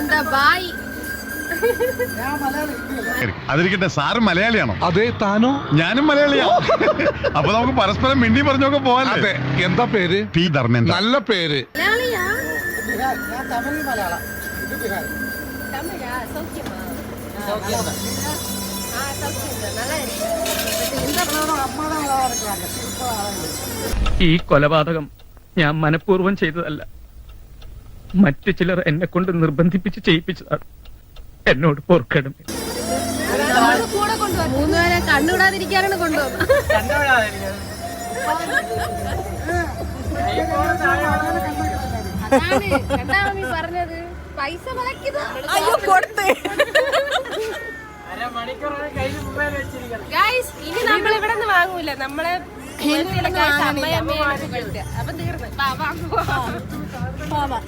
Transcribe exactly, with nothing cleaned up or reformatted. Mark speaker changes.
Speaker 1: Bye.
Speaker 2: അതിരിക്കട്ടെ, sir മലയാളിയാണോ?
Speaker 3: അതെ, താനോ?
Speaker 2: ഞാനും മലയാളിയാ. അപ്പൊ നമുക്ക് പരസ്പരം മിണ്ടി പറഞ്ഞൊക്കെ പോവാല്ലേ?
Speaker 3: എന്താ പേര്?
Speaker 2: പി ധർമ്മേന്ദ്ര.
Speaker 3: നല്ല പേര്.
Speaker 4: ഈ കൊലപാതകം ഞാൻ മനഃപൂർവ്വം ചെയ്തതല്ല. മറ്റു ചിലർ എന്നെ കൊണ്ട് നിർബന്ധിപ്പിച്ച് ചെയ്യിപ്പിച്ചതാണ്. എന്നോട് പൊറുക്കണം.
Speaker 1: മൂന്നുപേരെ കണ്ടുവിടാതിരിക്കാനാണ് കൊണ്ടുവന്നത്. പറഞ്ഞത് പൈസ ഇനി നമ്മൾ ഇവിടെ നിന്ന് വാങ്ങൂല. നമ്മളെ അപ്പൊ തീർന്നു.